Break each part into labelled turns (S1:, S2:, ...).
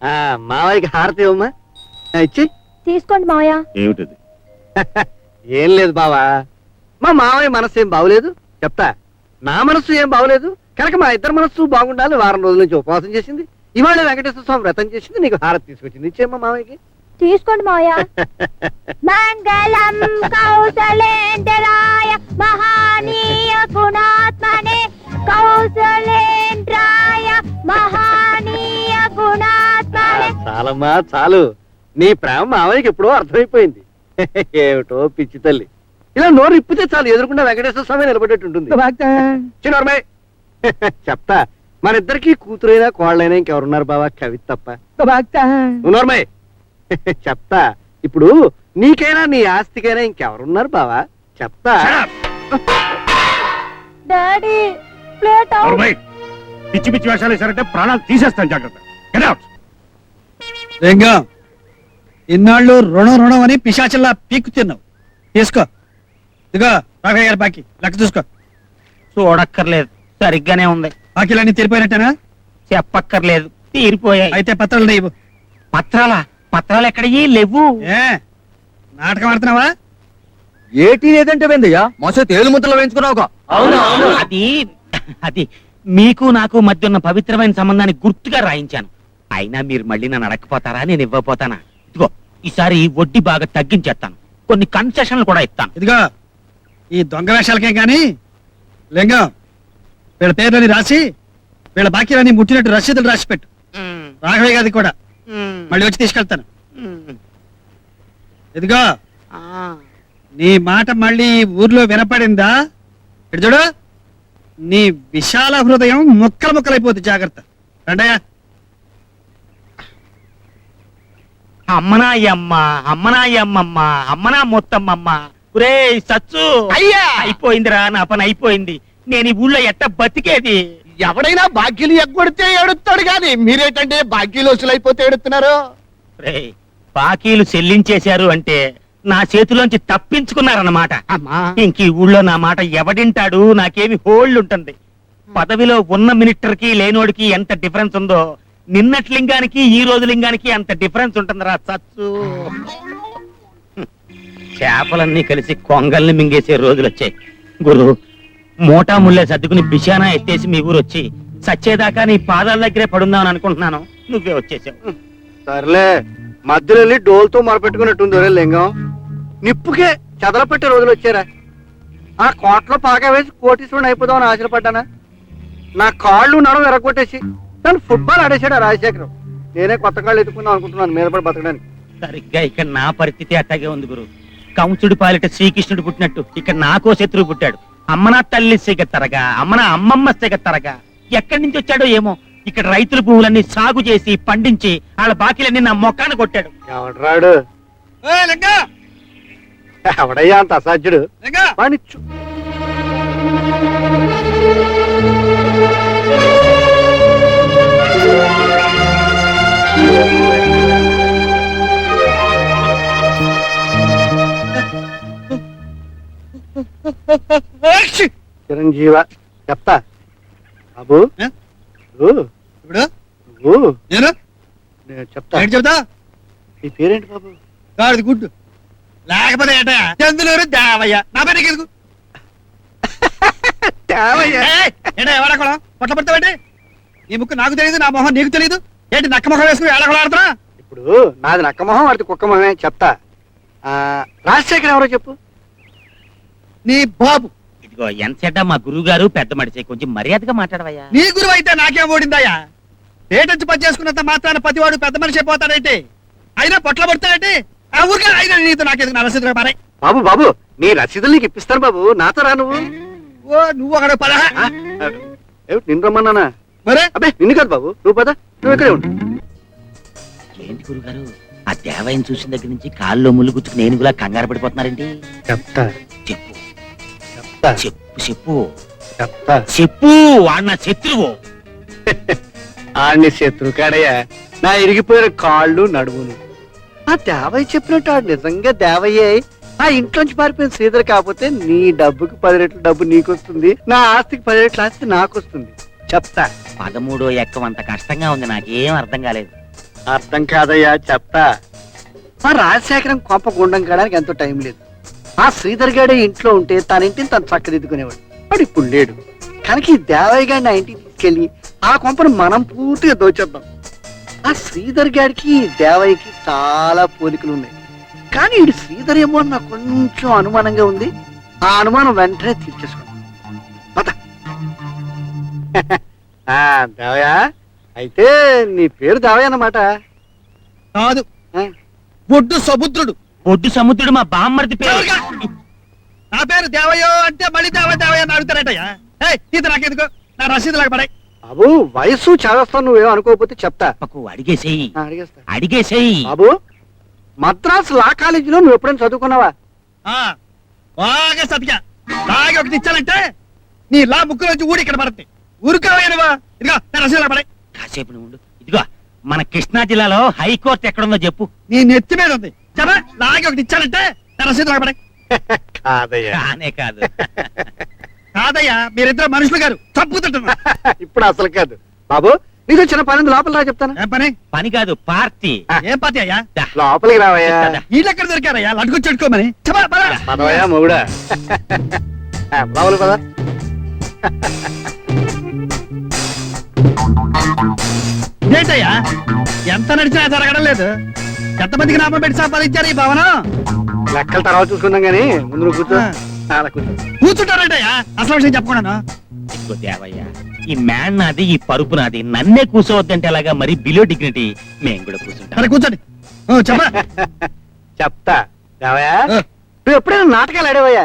S1: మావయ్యకి హారతి ఇవ్వమ్మా. ఇచ్చి
S2: తీసుకోండి మావయ్య.
S3: ఏమిటది?
S1: ఏం లేదు బావా, మా మావయ్య మనసు ఏం బాగోలేదు చెప్తా. నా మనసు ఏం బాగోలేదు కనుక మా ఇద్దరు మనసు బాగుండాలి. వారం రోజుల నుంచి ఉపవాసం చేసింది. ఇవాళ వెంకటేశ్వర స్వామి వ్రతం చేసింది. నీకు హారతి తీసుకొచ్చింది. ఇచ్చేమ్మా మావయ్యకి.
S2: తీసుకోండి మావయ్య. మంగళం కౌసలేంద్రాయ మహానీయ గుణాత్మనే కౌసలేంద్రాయ మహానీయ గుణాత్మనే.
S1: చాలమ్మా చాలు. నీ ప్రేమ మావయ్యకి ఎప్పుడో అర్థమైపోయింది. ఏమిటో పిచ్చి తల్లి, ఇలా నోరు ఇప్పితే చాలు ఎదురుకుండా వెంకటేశ్వర స్వామి నిలబడేట్టుంటుంది. చిన్నోర్మై చెప్తా, మన ఇద్దరికి కూతురైనా కోళ్ళైనా ఇంకెవరున్నారు బావా? కవిత తప్ప. నోర్మై చెప్తా, ఇప్పుడు నీకైనా నీ ఆస్తికైనా ఇంకెవరున్నారు బావా? చెప్తా.
S2: డాడీ ప్లేట్
S3: పిచ్చి పిచ్చి వేషాలు వేసారంటే ప్రాణాలు తీసేస్తాను. జాగ్రత్త.
S4: ఇన్నాళ్ళు రుణం అని పిశాచల్లా పీక్కు తిన్నావు. తీసుకో. ఇదిగో రాఘయ్య గారి బాకీ లెక్క చూసుకో.
S5: చూడక్కర్లేదు, సరిగ్గానే ఉంది.
S4: బాకీలన్నీ తీరిపోయినట్టేనా?
S5: చెప్పక్కర్లేదు, తీరిపోయాయి.
S4: అయితే పత్రాలు లేవు.
S5: పత్రాలా? పత్రాలు ఎక్కడయ్యి లేవు.
S4: ఏ నాటకం ఆడుతున్నావా?
S6: ఏటీ లేదంటే వెందయ్యా మసే తేలు ముద్దలు వేయించుకున్నావుగా.
S5: అది అది మీకు నాకు మధ్య ఉన్న పవిత్రమైన సంబంధాన్ని గుర్తుగా రాయించాను. అయినా మీరు మళ్ళీ నన్ను అడగపోతారా? నేను ఇవ్వపోతానా? ఇదిగో ఈసారి వడ్డీ బాగా తగ్గించేస్తాను, కొన్ని కన్సెషన్లు కూడా ఇస్తాను.
S4: ఇదిగో ఈ దొంగ వేషాలకే గాని లింగం వీళ్ళ పేర్లని రాసి వీళ్ళ బాకీలన్నీ ముట్టినట్టు రసీదులు రాసి పెట్టు. రాఘవయ్య గారి కూడా మళ్ళీ వచ్చి తీసుకెళ్తాను. ఇదిగో నీ మాట మళ్ళీ ఊర్లో వినపడిందా? ఇటు చూడు, నీ విశాల హృదయం ముక్కలు ముక్కలైపోతుంది. జాగ్రత్త. రండయ్యా.
S5: అమ్మనాయమ్మ అమ్మనాయమ్మమ్మ అమ్మనా మొత్తమ్మమ్మ. ఒరే సచ్చు,
S1: అయ్యా
S5: అయిపోయిందిరా, నా పని అయిపోయింది. నేను ఈ ఊళ్ళో ఎట్ట బతికేది?
S1: ఎవడైనా బాకీలు ఎగ్గొడితే ఏడుస్తాడు గాని మీరేంటంటే బాకీలు వసూలైపోతే ఏడుస్తున్నారు.
S5: రేయ్, బాకీలు చెల్లించేశారు అంటే నా చేతిలోంచి తప్పించుకున్నారన్నమాట. ఇంక ఈ ఊళ్ళో నా మాట ఎవడింటాడు? నాకేమి హోల్డ్ ఉంటుంది. పదవిలో ఉన్న మినిస్టర్కి లేనోడికి ఎంత డిఫరెన్స్ ఉందో నిన్నటి లింగానికి ఈ రోజు లింగానికి అంత డిఫరెన్స్ ఉంటుందిరా సచ్చు. చేపలన్నీ కలిసి కొంగల్ని మింగేసే రోజులు వచ్చాయి. గురు, మోటా ముల్లే సర్దుకుని బిషానా ఎత్తేసి మీ ఊరు వచ్చి సచ్చేదాకా నీ పాదాల దగ్గరే పడుందామని అనుకుంటున్నాను. నువ్వే వచ్చేసావు.
S1: సర్లే, మధ్యలో వెళ్ళి డోల్తో మొరపెట్టుకున్నట్టుంది. ఒరే లింగం, నిప్పుకే చెదలపెట్టే రోజులు వచ్చారా? ఆ కోట్లో పాగా వేసి కోటీశ్వరుని అయిపోదామని ఆశపడ్డానా? నా కాళ్ళు నడవ ఎరగొట్టేసి తను ఫుట్బాల్ ఆడేశాడు ఆ రాజశేఖరం. నేనే కొత్త కాళ్ళు ఎత్తుకుందాం అనుకుంటున్నాను మీద పడి బతకడానికి.
S5: సరిగ్గా ఇక్కడ నా పరిస్థితి అట్టాగే ఉంది గురు. కంసుడి పాలిట శ్రీకృష్ణుడు పుట్టినట్టు ఇక్కడ నాకో శత్రువు పుట్టాడు. అమ్మనా తల్లి సిగత్తరగా, అమ్మనా అమ్మమ్మ సిగత్తరగా. ఎక్కడి నుంచి వచ్చాడో ఏమో. ఇక్కడ రైతుల భూములన్నీ సాగు చేసి పండించి వాళ్ళ బాకీలన్నీ నా మొక్కాన కొట్టాడు.
S1: ఎవడరాడు? ఎవడయ్యా అంత అసాధ్యుడు? వాణిచ్చు. చిరంజీవ చెప్తా బాబు.
S4: ఇప్పుడు నేను
S1: చెప్తా.
S4: చెప్తా.
S1: నీ పేరేంటి బాబు?
S4: గాడిది గుడ్డు. లేకపోతే ఏటా చందులూరు దేవయ్య. నా పేరు ఎందుకు? ఎవడకూడా పొట్ల పడతావేంటి? నీ ముక్కు నాకు తెలియదు, నా మొహం నీకు తెలియదు. ఏంటి నక్క మొహం వేసుకుని ఏడకూడ ఆడుతున్నా?
S1: ఇప్పుడు నాది నక్క మొహం, వాడికి కుక్క మొహమే. చెప్తా. రాజశేఖర్ ఎవరో చెప్పు.
S4: నీ బాబు.
S5: ఇదిగో ఎంతసేట మా గురువు గారు పెద్ద మడిచే, కొంచెం మర్యాదగా మాట్లాడవయ్యా.
S4: నీ గురువు అయితే నాకేం ఓడిందయ్యా? పేటెంచి పని చేసుకున్నంత మాత్రాన ప్రతివాడు పెద్ద మనిషి అయిపోతాడైతే? అయినా పొట్ల పడతాడంటే ఆ ఊరికే అయినా నీతో నాకేది నా రసీదుగా మారాయి.
S1: బాబు బాబు, నీ రసీదులు నీకు ఇప్పిస్తాను బాబు. నాతో రా నువ్వు.
S4: ఓ నువ్వు అక్కడ పద.
S1: నిన్ను రమ్మన్నానా?
S4: మరే
S1: అబ్బే నిన్ను కాదు బాబు, నువ్వు పద. నువ్వు ఇక్కడే ఉండు.
S5: ఏంటి గురుగారు, ఆ దేవాయం చూసిన దగ్గర నుంచి కాల్లో ముళ్ళు గుచ్చుకుని ఏనుగులా కంగారు పడిపోతున్నారేంటి?
S1: చెప్తా.
S5: చెప్పు
S1: చెప్తా.
S5: చెప్పు చెప్పు
S1: చెప్తా.
S5: చెప్పు. వాడు నా శత్రువు.
S1: ఆడిని శత్రు కాడయ్యా, నా ఇరిగిపోయిన కాళ్ళు నడువును. ఆ దేవయ్య చెప్పినట్టు ఆడు నిజంగా దేవయ్యే. ఆ ఇంట్లోంచి పారిపోయిన శ్రీధర్ కాకపోతే నీ డబ్బుకి 10 రెట్లు డబ్బు నీకు వస్తుంది, నా ఆస్తికి 10 రెట్ల ఆస్తి నాకు వస్తుంది. చెప్తా.
S5: 13వ ఎక్కం అంత కష్టంగా ఉంది, నాకేం అర్థం కాలేదు.
S1: అర్థం కాదయ్యా చెప్తా. ఆ రాజశేఖరం కొంప గుండం కాడానికి ఎంతో టైం లేదు. ఆ శ్రీధర్ గాడే ఇంట్లో ఉంటే తన ఇంటిని తను చక్కదిద్దుకునేవాడు. వాడు ఇప్పుడు లేడు కనుక ఈ దేవయ్య గారిని ఆ ఇంటికి తీసుకెళ్లి ఆ కొంపను మనం పూర్తిగా దోచేద్దాం. ఆ శ్రీధర్ గారికి ఈ దేవయ్యకి చాలా పోలికలు ఉన్నాయి. కానీ ఇది శ్రీధర్ ఏమో అని నాకు కొంచెం అనుమానంగా ఉంది. ఆ అనుమానం వెంటనే తీర్చేసుకున్నాం. పద. దేవయ్య అయితే నీ పేరు దేవయ్య అన్నమాట.
S4: కాదు,
S1: ఆ?
S4: ఒడ్డు సముద్రుడు.
S5: ఒడ్డు సముద్రుడు మా బామ్మర్ది పేరు.
S4: ఎవరుగా? నా పేరు దేవయ్యో అంటే మళ్ళీ దేవయ్య అని అడుగుతారటయ్యా. ఈత నాకెందుకు, నా రసీదు లాగా పడాయి.
S1: బాబు వయసు చదవస్తాను, నువ్వేం అనుకోకపోతే చెప్తా.
S5: పక్కు అడిగేసేయి,
S1: అడిగేస్తా.
S5: అడిగేసేయి.
S1: బాబు మద్రాస్ లా కాలేజీలో నువ్వు ఎప్పుడైనా చదువుకున్నావా?
S4: బాగా సతిగా బాగా ఒకటి ఇచ్చానంటే నీ లా ముక్కులోంచి ఊడి ఇక్కడ పడుతుంది. ఊరుకోవా ఇదిగో నా రసీదు లాగా పడాయి.
S5: కాసేపు నువ్వు ఉండు. ఇదిగో మన కృష్ణా జిల్లాలో హైకోర్టు ఎక్కడుందో చెప్పు.
S4: నీ నెత్తి మీద ఉంది. చెప్పా లాగే ఒకటి ఇచ్చానంటే నా రసీదు లాగా పడాయి.
S1: కాదయ్యా.
S5: కానే కాదు.
S4: కాదయ్యా, మీరిద్దరు మనుషులు గారు చంపుతుంటున్నా.
S1: ఇప్పుడు అసలు కాదు బాబు. నీకు చిన్న పని ఉంది, లోపల రా చెప్తాను.
S4: ఏం పని?
S5: పని కాదు, పార్టీ.
S4: ఏం పాతి అయ్యా?
S5: దా.
S1: లోపలికి రావయ్యా.
S4: వీళ్ళు ఎక్కడ దొరికారయ్యా? లడ్డుకు చెడుకోమని చెప్పా పద.
S1: పదవయ్యా మొగుడా. లోపలికి పద.
S4: ఏంటయ్యా ఎంత నడిచినా జరగడం లేదు. ఎంతమందికి నామం పెట్టి సంపాదించారు ఈ భవనం?
S1: లెక్కల తర్వాత చూసుకుందాం గానీ ముందు నువ్వు కూర్చో. అలా కూర్చో.
S4: కూర్చుంటారంటయ్యా, అసలు విషయం చెప్పకుండా.
S5: ఇదిగో దేవయ్య, ఈ మ్యాన్ నాది, ఈ పరుపు నాది. నన్నే కూర్చోవద్దంటే అలాగా మరి బిలో డిగ్నిటీ. మేము కూడా కూర్చుంటాం.
S4: సరే కూర్చోండి. చెప్పా
S1: చెప్తా. దేవయ్యా నువ్వు ఎప్పుడైనా నాటకాలు ఆడేవయ్యా?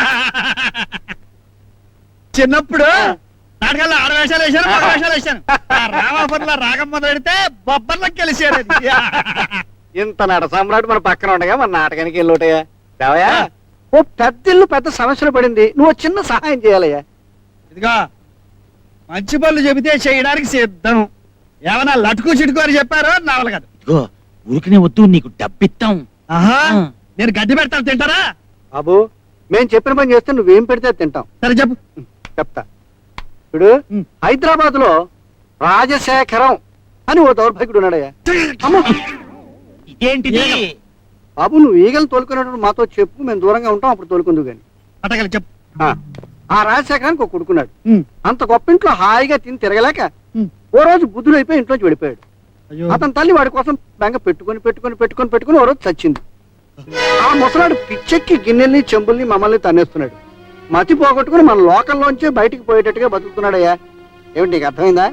S4: చిన్నప్పుడు నాటకాల్లో ఆడవేషాలు వేశాను, మగ వేషాలు వేశాను. రామాపురంలో రాగం మొదలెడితే బొబ్బర్లకు కలిసారు.
S1: ఇంత నట సామ్రాట్ మన పక్కన ఉండగా మన నాటకానికి వెళ్ళోటయ్యా. దేవయ్యా ఓ పెద్ద ఇల్లు పెద్ద సమస్యలు పడింది, నువ్వు చిన్న సహాయం చేయాలయ్యా.
S4: ఇదిగా మంచి పనులు చెబితే చేయడానికి సిద్ధం. ఏమన్నా లటుకు చిటుకు అని చెప్పారో నా వల్ల కాదు.
S5: ఇదిగో ఊరికనే వద్దు, నీకు డబ్బిస్తాం.
S4: ఆహా, నేను గడ్డి పెడతాను, తింటారా?
S1: బాబు మేము చెప్పిన పని చేస్తే నువ్వేం పెడితే అది తింటాం.
S4: సరే చెప్పు.
S1: చెప్తా. ఇప్పుడు హైదరాబాద్ లో రాజశేఖరం అని ఓ దౌర్భాగ్యుడు ఉన్నాడయ్యా. అమ్మో
S5: ఇదేంటిది?
S1: బాబు నువ్వు ఈగలు తోలుకునేటప్పుడు మాతో చెప్పు, మేము దూరంగా ఉంటాం, అప్పుడు తోలుకుందు గాని.
S4: అటగలి చెప్పు.
S1: ఆ రాజశేఖరానికి ఒక కొడుకున్నాడు.
S4: ఉమ్.
S1: అంత గొప్ప ఇంట్లో హాయిగా తిని తిరగలేక
S4: ఉమ్.
S1: ఓ రోజు బుద్ధుడు అయిపోయి ఇంట్లోంచి వెళ్ళిపోయాడు.
S4: అయ్యో.
S1: అతని తల్లి వాడి కోసం బెంగ పెట్టుకొని ఓ రోజు చచ్చింది. ఆ ముసలాడు పిచ్చెక్కి గిన్నెల్ని చెంబుల్ని మమ్మల్ని తన్నేస్తున్నాడు. మతి పోగొట్టుకుని మన లోకల్లోంచే బయటికి పోయేటట్టుగా బతుకుతున్నాడయ్యా. ఏమిటి నీకు అర్థమైందా?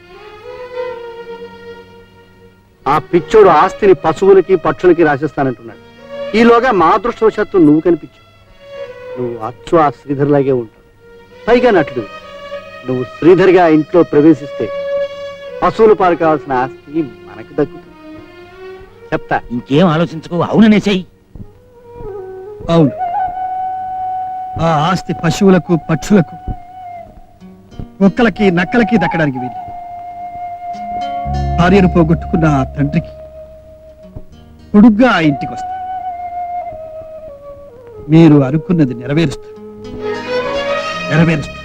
S1: ఆ పిచ్చోడు ఆస్తిని పశువులకి పక్షులకి రాసిస్తానంటున్నాడు. ఈలోగా మా అదృష్టవశాత్తు నువ్వు కనిపించావు. నువ్వు అచ్చు ఆ శ్రీధర్ లాగే ఉంటావు, పైగా నటుడు. నువ్వు శ్రీధర్గా ఆ ఇంట్లో ప్రవేశిస్తే పశువులు పాలు కావాల్సిన ఆస్తి మనకు దక్కుతుంది. చెప్తా.
S5: ఇంకేం ఆలోచించుకో, అవుననేసేయి.
S4: అవును, ఆ ఆస్తి పశువులకు పక్షులకు కుక్కలకి నక్కలకి దక్కడానికి వీలు. భార్యను పోగొట్టుకున్న ఆ తండ్రికి కొడుగ్గా ఆ ఇంటికి వస్తారు. మీరు అనుకున్నది నెరవేరుస్తారు.